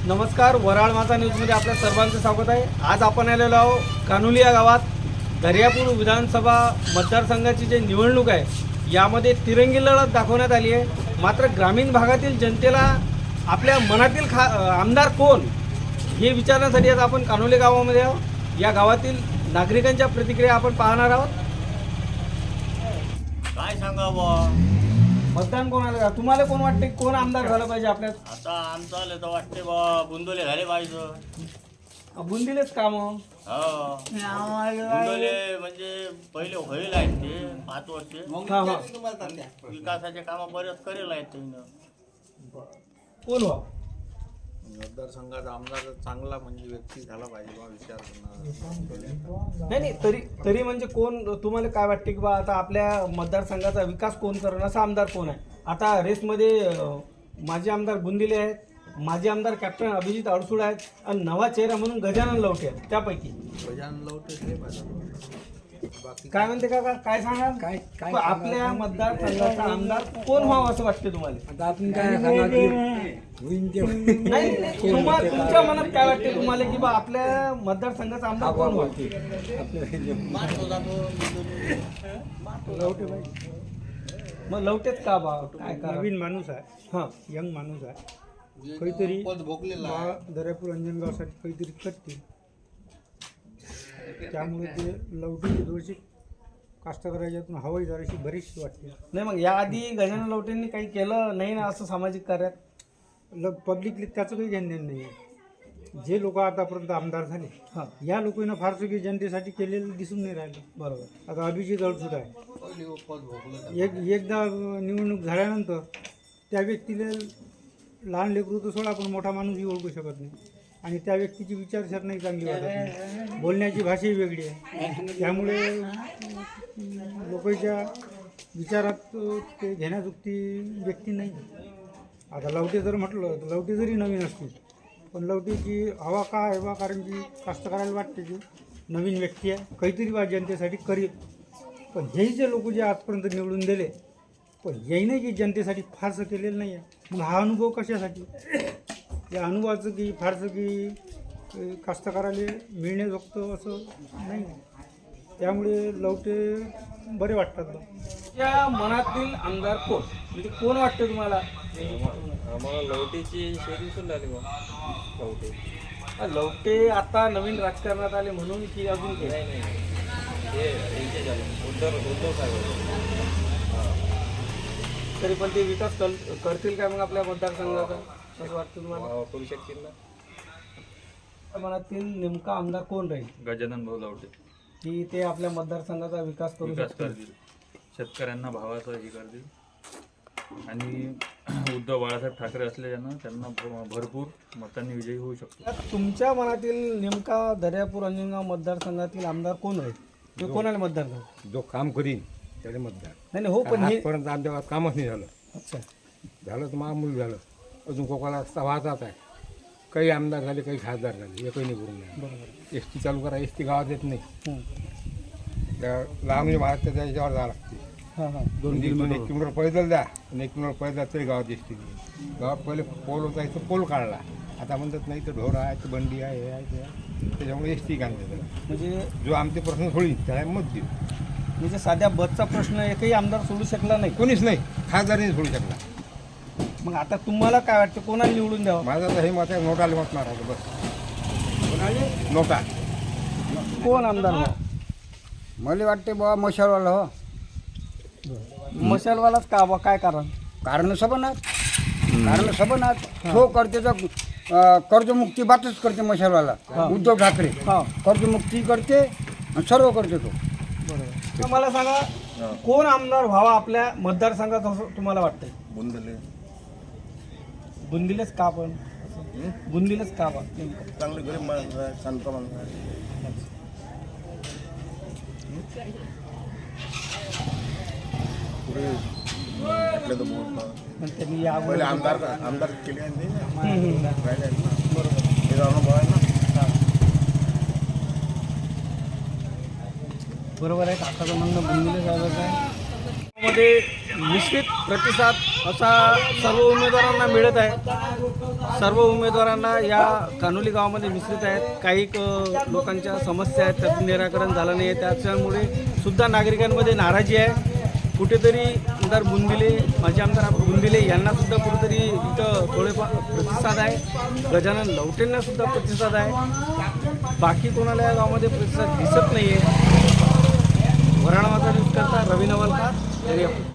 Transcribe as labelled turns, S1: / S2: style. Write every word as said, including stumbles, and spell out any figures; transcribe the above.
S1: नमस्कार, वराळ माझा न्यूजमध्ये आपल्या सर्वांचं स्वागत आहे। आज आपण आलेलो आहोत कान्होली या गावात। दर्यापूर विधानसभा मतदारसंघाची जी निवडणूक आहे यामध्ये तिरंगी लढत दाखवण्यात आली आहे। मात्र ग्रामीण भागातील जनतेला आपल्या मनातील खा आमदार कोण हे विचारण्यासाठी आज आपण कान्होली गावामध्ये आहोत। या गावातील नागरिकांच्या प्रतिक्रिया आपण पाहणार आहोत।
S2: काय सांगावं,
S1: मतदान कोणाला का तुम्हाला कोण वाटते कोण आमदार झालं पाहिजे आपल्या?
S2: आता आमचा तर वाटते बा बुंदोले झाले पाहिजे।
S1: बुंदीलेच काम
S2: हो बुंदोले म्हणजे पहिले होईल आहेत ते पाच वर्षे
S1: हां हां
S2: विकासाचे कामं बरेच करेल आहेत त्यांनी।
S1: कोण हो
S3: मतदारसंघाचा आमदार चांगला म्हणजे व्यक्ती झाला पाहिजे बा विचार करणार।
S1: नाही नाही तरी तरी म्हणजे कोण तुम्हाला काय वाटते की बा आता आपल्या मतदारसंघाचा विकास कोण करेल असा आमदार कोण आहे? आता रेसमध्ये अं, माजी आमदार बुंदिले आहेत, माजी आमदार कॅप्टन अभिजित अडसूळ आहेत आणि नवा चेहरा म्हणून गजानन लवटे आहेत। त्यापैकी
S3: गजानन लवटे हे पाहिजे। बाकी
S1: काय म्हणते काका, काय सांगाल?
S4: काय काय
S1: आपल्या मतदारसंघाचा आमदार कोण व्हावं असं वाटते तुम्हाला?
S4: आता आपण काय सांगणार की होईन ते
S1: नाही नाही, नाही तुम्हाला तुमच्या मनात काय वाटते तुम्हाला की बा आपल्या मतदारसंघाचा आमदार कोण व्हावं?
S4: लवटे पाहिजे.
S1: मग लवटेच का बा? काय कारण?
S4: नवीन माणूस आहे,
S1: हां
S4: यंग माणूस आहे, काहीतरी
S3: पद भोगलेला आहे।
S4: बा- दर्यापूर अंजनगावसाठी काहीतरी करतील, त्यामुळे ते लवटेची थोडीशी कास्तकाराच्यातून हवाई जराशी बरीचशी वाटते.
S1: नाही मग याआधी गजानन लवटेंनी काही केलं नाही ना असं सामाजिक कार्यात?
S4: ल पब्लिकली त्याचं काही घेणं देणं नाही आहे. जे लोक आतापर्यंत आमदार झाले
S1: हां
S4: या लोकांना फारसं काही जनतेसाठी केलेलं दिसून नाही राहिलं.
S1: बरोबर.
S4: आता अभिजित अडसूळ आहे,
S3: पहिले पद भोगलं
S4: एक एकदा निवडणूक झाल्यानंतर त्या व्यक्तीला लहान लेकरू तर सोडा पण मोठा माणूसही ओळखू शकत नाही आणि त्या व्यक्तीची विचारसरणी चांगली वाटत नाही, बोलण्याची भाषाही वेगळी आहे, त्यामुळे लोकांच्या विचारात ते घेण्याजोगती व्यक्ती नाही. आता लवटे जर म्हटलं तर लवटे जरी नवीन असतील पण लवटेची हवा का आहे बा, कारण की कास्तकाराला वाटते की नवीन व्यक्ती आहे, काहीतरी बा जनतेसाठी करेल. पण हेही जे लोक जे आजपर्यंत निवडून दिले पण याही नाही की जनतेसाठी फारसं केलेलं नाही आहे. मग हा अनुभव कशासाठी? या अनुभवाचं की फारसं की अ, कास्तकाराला मिळण्याजोगतं असं नाही. त्यामुळे लवटे बरे वाटतात बा.
S1: त्या मनातील आमदार कोण म्हणजे कोण वाटतं तुम्हाला?
S5: आम्हाला लवटेची शेती सुरू झाली बा लवटे
S1: लवटे आता नवीन राजकारणात आले म्हणून की अजून काही?
S5: नाही नाही हे यांचे झाले उद्धव उद्धव साहेब.
S1: तरी पण ते विकास कर करतील काय मग आपल्या मतदारसंघाचा असं वाटतं तुम्हाला?
S5: हा, करू शकतील ना.
S1: त्या मनातील नेमका आमदार कोण राहील
S5: गजानन भाऊ लवटे
S1: की ते आपल्या मतदारसंघाचा विकास करू
S5: विकास
S1: शकतील?
S5: करतील, शेतकऱ्यांना भावाचं हे करतील आणि उद्धव बाळासाहेब ठाकरे असल्यानं त्यांना भ- भरपूर मतांनी विजयी होऊ शकतो.
S1: तर तुमच्या मनातील नेमका दर्यापूर अंजनगाव मतदारसंघातील आमदार कोण राहील? ते कोणाला मतदार झालं?
S6: जो काम करीन त्याने मतदार.
S1: नाही नाही, हो पण हे
S6: आजपर्यंत आमच्या गावात कामच नाही झालं.
S1: अच्छा
S6: झालं तर मामूल झालं, अजून कोकणाला रस्ता वाहतात आहे. काही आमदार झाले, काही खासदार झाले, एकही नाही करून नाही.
S1: बरोबर.
S6: एस टी चालू करा, एस टी गावात येत नाही.
S1: हं.
S6: त्या लांबणी भागात त्याच्या याच्यावर जावं लागते.
S1: हां हां
S6: दोन दोन एक किलोमीटर पैदल द्या आणि एक किलोमीटर पैदल तरी गावात एस टी नाही. गावात पहिले पोल होता, इथं पोल काढला, आता म्हणतात नाही तर ढोर आहे, तर बंडी आहे, हे आहे, ते आहे. त्याच्यामुळे एस टी काढते.
S1: म्हणजे
S6: जो आमचे प्रश्न सोडीन त्याला मत देऊ.
S1: म्हणजे साध्या बसचा प्रश्न एकही आमदार सोडू शकला नाही.
S6: कोणीच नाही, खासदारही सोडू शकला.
S1: मग आता तुम्हाला काय वाटतं कोणाला निवडून द्यावं?
S6: माझं तर हे मत आहे, नोटाला मत मारायचं बस. नोटा
S1: कोण आमदार व्हावं?
S7: मला वाटते बाबा मशालवाला हो.
S1: मशालवालाच का बा? काय कारण?
S7: कारण सबनात कारण सबनात तो करते तर अं, कर्जमुक्ती बातच करते मशालवाला. उद्धव ठाकरे
S1: हां
S7: कर्जमुक्ती करते आणि सर्व करते तो.
S1: बरोबर. तर मला सांगा कोण आमदार व्हावा आपल्या मतदारसंघात असं तुम्हाला वाटतंय?
S3: बुंदले
S1: बुंदीलेच का पण? बुंदीलेच का बा नेमकं?
S3: चांगले गरीब माणूस आहे, शांत माणूस आहे. पुढे आपल्या तर बहुत
S1: पण त्यांनी या
S3: पहिले आमदार आमदार केले आहे नाही ना.
S1: हं, हं.
S3: राहिले आहेत ना. बरोबर हे अनुभव आहे ना.
S1: बरोबर आहे. काकाचं म्हणणं बुंदीले साहेबाचं आहे. मध्ये मिश्रित प्रतिसाद असा सर्व उमेदवारांना मिळत आहे. सर्व उमेदवारांना या कान्होली गावामध्ये मिश्रित आहेत. काही क- लोकांच्या समस्या आहेत, त्याचं निराकरण झालं नाही आहे. त्याच्यामुळे सुद्धा नागरिकांमध्ये नाराजी आहे. कुठेतरी आमदार बुंदिले माजी आमदार बुंदिले यांना सुद्धा कुठेतरी इथं थोडेफार प्रतिसाद आहे. गजानन लवटेंना सुद्धा प्रतिसाद आहे. बाकी कोणाला या गावामध्ये प्रतिसाद दिसत नाही आहे. वराळा माझा न्यूज करता रवी नवलकार दर्यापूर.